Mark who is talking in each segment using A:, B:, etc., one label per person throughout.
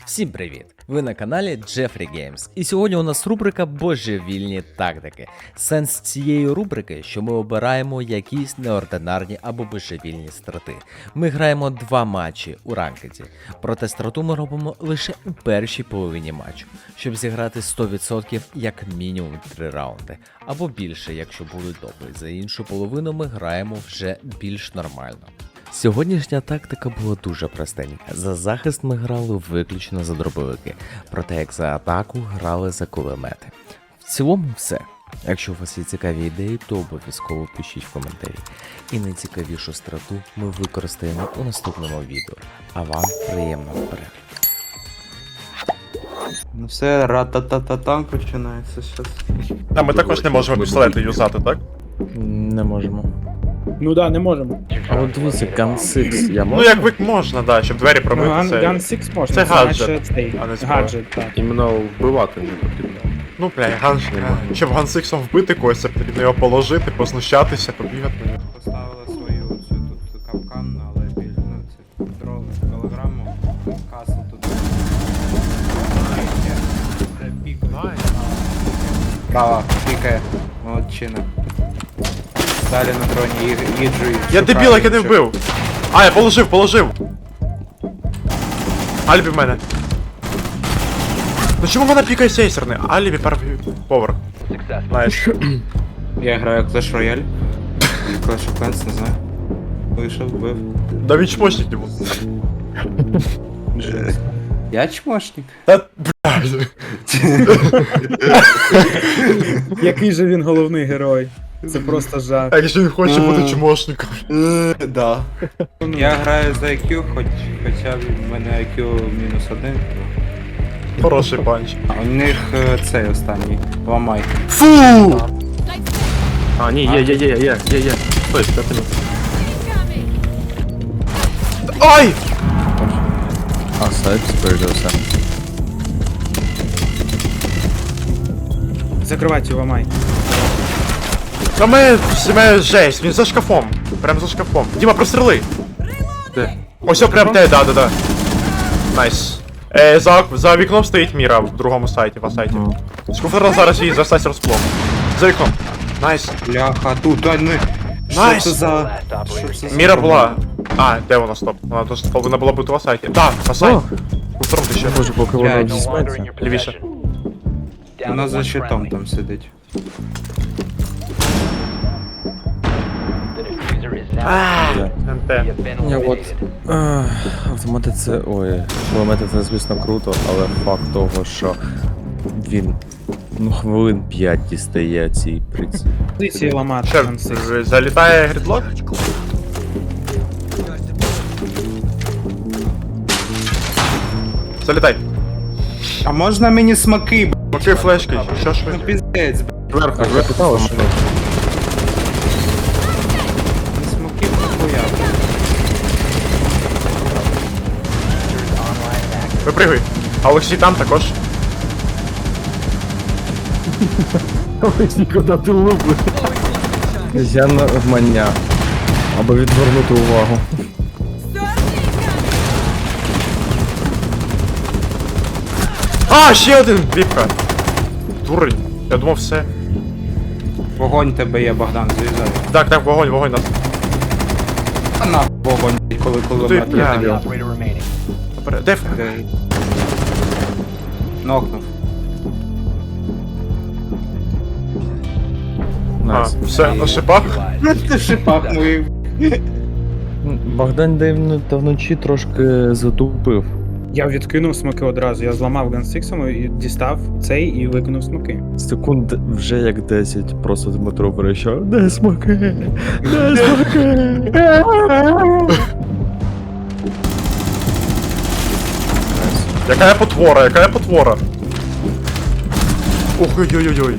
A: Всім привіт! Ви на каналі Jeffrey Games. І сьогодні у нас рубрика Божевільні тактики. Сенс цієї рубрики, що ми обираємо якісь неординарні або божевільні страти. Ми граємо 2 матчі у ранкеді, проте страту ми робимо лише у першій половині матчу, щоб зіграти 100% як мінімум 3 раунди, або більше, якщо будуть добрі. За іншу половину ми граємо вже більш нормально. Сьогоднішня тактика була дуже простенька. За захист ми грали виключно за дробовики, проте як за атаку грали за кулемети. В цілому все. Якщо у вас є цікаві ідеї, то обов'язково пишіть в коментарі. І найцікавішу страту ми використаємо у наступному відео. А вам приємного перегляду.
B: Ну все, ра-та-та-та-там починається щас.
C: А ми також не можемо пістолети юзати, так?
A: Не можемо.
D: Ну да, не можемо.
A: А от дивіться, Gun 6 я
C: Ну
A: можу?
C: як вик можна, да, щоб двері
D: Ну,
C: пробити. Це...
D: Gun 6 можна.
C: це гаджет,
D: значить, цей,
C: а не зброя.
D: гаджет, так.
E: Іменно вбивати не потрібно.
C: Ну, бля, щоб гансиксом вбити когось, це потрібно його положити, познущатися, побігати на нього.
B: Поставили свою цю тут капкан, але ну, це дрон, голограму, касу тут. Права, пікає, молодчина. Далі на дроні їджу.
C: Я дебіл, як я не вбив! А, я положив! Альбі в мене. Ну чому вона пікає сейсерне? Альбі перший поверх. Знаєш.
B: Я граю Clash Royale. Clash of Clans, не знаю. Вийшов, вбив.
C: Да він чмошник не був.
B: Я чмошник.
C: Та, блядь.
D: Який же він головний герой? Це просто жах.
C: А якщо він хоче бути чмошником.
B: Да. Я граю за IQ, хоча в мене IQ -1.
C: Хороший панч.
B: А у них цей останній. Ламай.
C: Фу!
E: А, ні, є. Стой, 5 минут.
C: Ай!
A: А сайт спередився.
D: Закривайте його, ламай.
C: Та ми жесть, він за шкафом. Прям за шкафом. Діма, простріли!
E: Де?
C: Ось о, прям те, да. Найс. За вікном стоїть Міра в другому сайті, в сайті. Скуферна зараз її за розплом. За вікном. Найс.
B: Бляха, тут, ай, не.
C: Найс.
B: Що це за... Що це
C: Міра
B: за-
C: була. А, де вона, стоп? Вона тут повинна була бути в сайті. Да, на сайті. Скуфером ти ще.
A: Може, поки
B: воно
A: дізьметься.
C: Лівіше.
B: Вона за щитом там сидить.
C: НТ.
A: Я от автомати це. Ой, кулемети це звісно круто, але факт того, що він хвилин 5 дістає цій приці.
D: Позиції ламати.
C: Ще
D: Gun 6.
C: залітає грідлок? Залітай.
B: А можна мені смаки, б***?
C: Поки флешки, що ж
B: Ну
C: ви?
B: піздець, б***.
E: Зверху,
A: Я питав, що
B: Смаків нахуя.
C: Випригуй. А Олексій там також.
E: Куди ти лупиш?
A: я навмання. Або відвернути увагу.
C: А, ще один! Віпка. Дурень. Я думав все.
B: Вогонь тебе є, Богдан, заїжджай.
C: Так, вогонь нас.
B: А нахуй вогонь, коли
C: Ти,
B: кулемет
C: бля.
B: є.
C: Добре, де?
B: Де? Нокнув.
C: А, все, на шипах.
B: Ти шипах моїх.
A: Богдан дивно та вночі трошки затупив.
D: Я відкинув смоки одразу. Я зламав Gun 6 і дістав цей і викинув смоки.
A: Секунд вже як 10, просто Дмитро перейшов. Де смоки? Де смоки?
C: Яка я потвора? Ух, ой-ой-ой.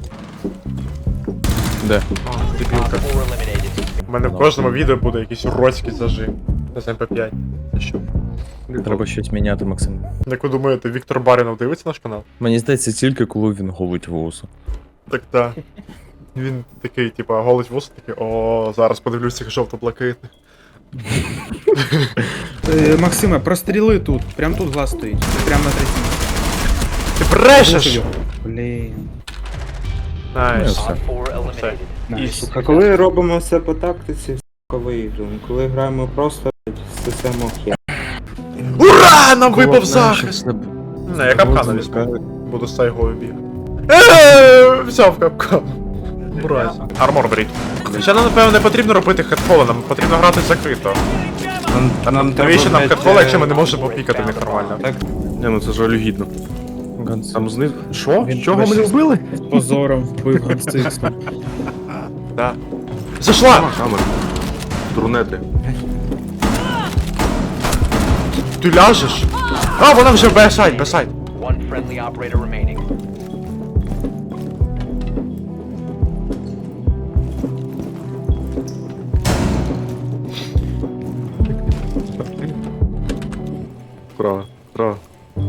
A: Де?
C: А, дебілка. У мене в кожному відео буде якийсь уродський зажим. З МП5. Ти що?
A: Треба щось міняти, Максим.
C: Як ви думаєте, Віктор Барінов дивиться наш канал?
A: Мені здається, тільки коли він голить вусу.
C: Так. Він такий, типа, голить вуса, такий, о, зараз подивлюсь цих жовто-блакитних.
D: Максиме, простріли тут. Прям тут глаз стоїть. Прям на третьому.
C: Ти брешеш!
D: Блін.
C: Найс.
A: Все.
C: Все.
D: Найс.
B: А коли робимо все по тактиці, виїжджаємо. Коли граємо просто, систему хер.
C: Ура! Нам випав захист! Не, я капкана візьму. Буду з тайгою бігати. Взяв капкан. Мразь. Армор беріть. Ще нам, напевно, не потрібно робити хедхоли, нам потрібно грати закрито. Навіщо нам хедхоли, якщо ми не можемо пікати в них нормально?
B: Так,
E: Не, ну це жалюгідно. Там знизу. Що?
D: Він
E: Чого
D: тебе
E: мене вбили?
D: З позором вбив Гансиксом.
C: Да. Зайшла!
E: Камери. Дурнети.
C: Ти ляжеш? А, вона вже Б-сайд, Б-сайд.
F: One friendly operator remaining.
E: Право, право.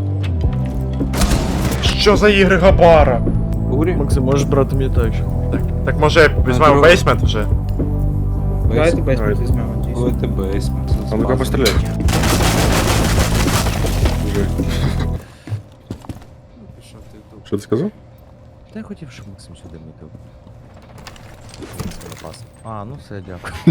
C: Що за ігри Габара?
B: бурі.
E: Максим, можеш брати мені так.
C: Так може візьмемо
B: друг-
C: бейсмент вже?
D: Давайте бейсмент візьмемо. дійсно.
B: Коли ти бейсмент.
E: А ну-ка постріляй. Що ти сказав?
A: Та я хотів, щоб Максим сюди мітив. Запас. А, ну все, дякую.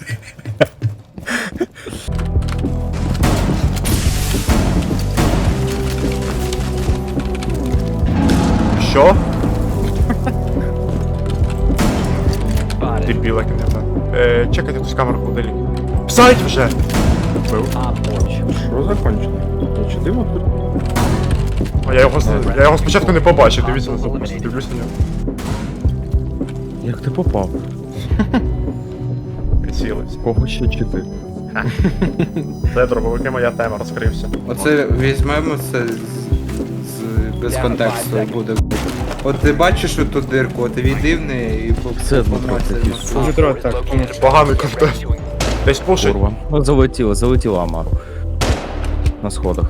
C: Що?
F: Spotted.
C: Дебіла кінета. Чекайте хтось камеру холодильник. Сайт вже!
F: Op 4.
E: Що закончено? Чи ти тут?
C: А я його спочатку не побачив, дивіться, дивлюся на нього.
E: Як ти попав?
C: Прицілився.
E: Кого ще чи ти?
C: Це дробовики, моя тема розкрився.
B: Оце візьмемо це без контексту буде. От ти бачиш оту дирку, от війди в неї і
A: Це Дмитро такий.
D: Дмитро, так, ні.
C: Поганий контент. Десь пушить.
A: Курва. Ну, залетіло Амару. На сходах.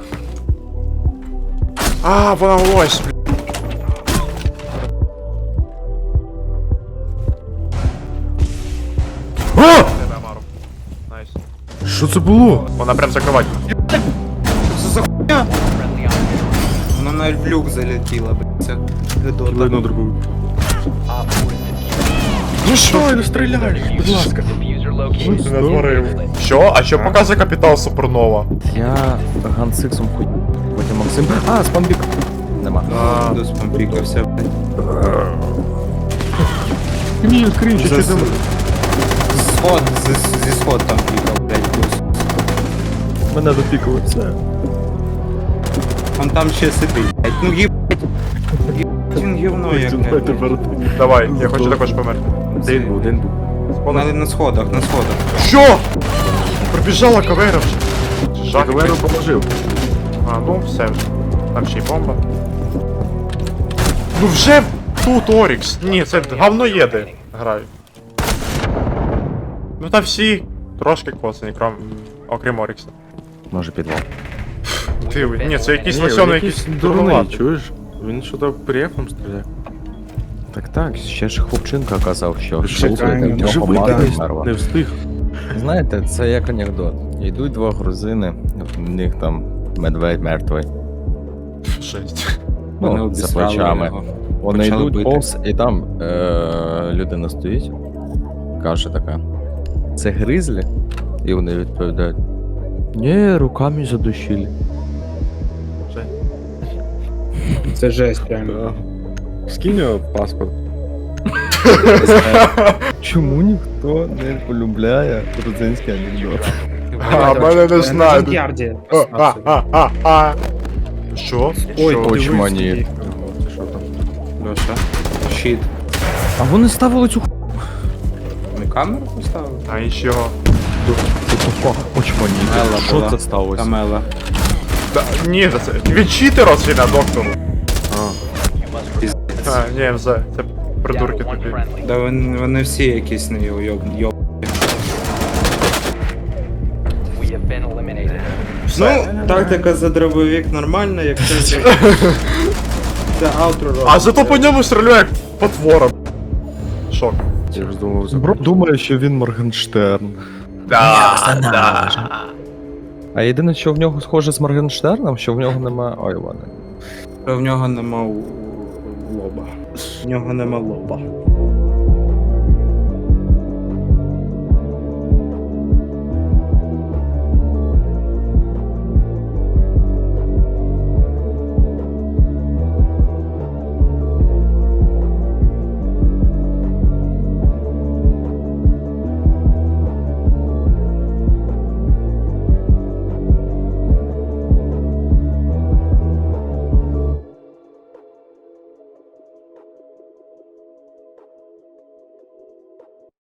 C: А, вона ось, блін. О! Тебе, Амару. Найс.
E: Що це було?
C: Вона прям закривать.
B: Це за хуйня?
F: Friendly operator.
B: Вона навіть в люк залетіла, блядь. Це гидота.
E: Видно дробовик.
F: Op 4 is defused.
C: Ну що,
E: не стріляєш? Будь ласка.
F: Diffuser located.
C: ти натворив? Що? А що показує капітал Супернова?
A: Я гансиксом хуй. Потім Максим. А, спамбік. Нема.
C: А.
B: До спампікався, блядь.
E: Ні, крінчі,
B: За
E: чи
B: с-
E: там?
B: Сход, зі сход там пікав, блядь, плюс.
E: Мене допікали, все.
B: Он там ще сидить, блядь. Ну їбать. Їбать він гівно як, блядь.
C: Давай, я хочу також померти.
E: Один був, один був.
B: На сходах, на сходах.
C: Що? Прибіжала кавера вже. Жах.
E: Гаверу
C: якийсь.
E: положив.
C: А, ну все вже. Там ще й бомба. Ну вже тут Орікс. Ні, це говноєди грають. Ну там всі трошки коцані, окрім Орікса.
A: Може підвал.
C: Ти, ні, це якийсь
E: Ні,
C: лосьоний,
E: якийсь
C: якийсь
E: дурний,
C: дурнуватий.
E: чуєш? Він що там префом стріляє.
A: Так, ще ж хлопчинка казав, що
D: Чекаємо,
A: в нього
E: Живий
A: мати
E: десь
A: мерва.
E: не встиг.
A: Знаєте, це як анекдот. Йдуть два грузини, в них там медведь мертвий.
C: Жесть.
B: Вони
A: Ну, за
B: обісрали
A: плечами.
B: його.
A: Вони
B: Почали
A: йдуть
B: бити.
A: повз, і там людина стоїть, каже така: це гризлі? І вони відповідають: ні, руками задушили.
D: Це жесть, реально.
E: Скинь його паспорт.
A: Чому ніхто не полюбляє грузинський анекдот?
C: А, мене не
D: На
C: знають.
D: Джанкярді.
C: Що?
D: Ой,
C: Що?
D: ти
A: Очмані.
D: дивись,
E: Що там?
B: Льоша. Щит.
A: А вони ставили цю
B: Ми камеру поставили?
C: А і чого?
A: очмані.
B: Мела
A: Що
B: була.
A: це сталося?
B: Камела.
C: Ні, це від читера чи на доктору? А, ні, це
F: Down
C: придурки
F: to one
C: тобі.
F: friendly.
B: Да вони всі якісь не йоб.
F: We have been eliminated.
C: Все.
B: Ну, тактика за дробовик нормальна, якщо це аутро робить.
C: А зато по ньому стріляє як потвора. Шок.
E: Я ж думав,
A: Бро думає, що він Моргенштерн.
G: А єдине, що в нього схоже з Моргенштерном, що в нього нема. Ой, ладно.
B: В нього нема лоба. В нього нема лоба.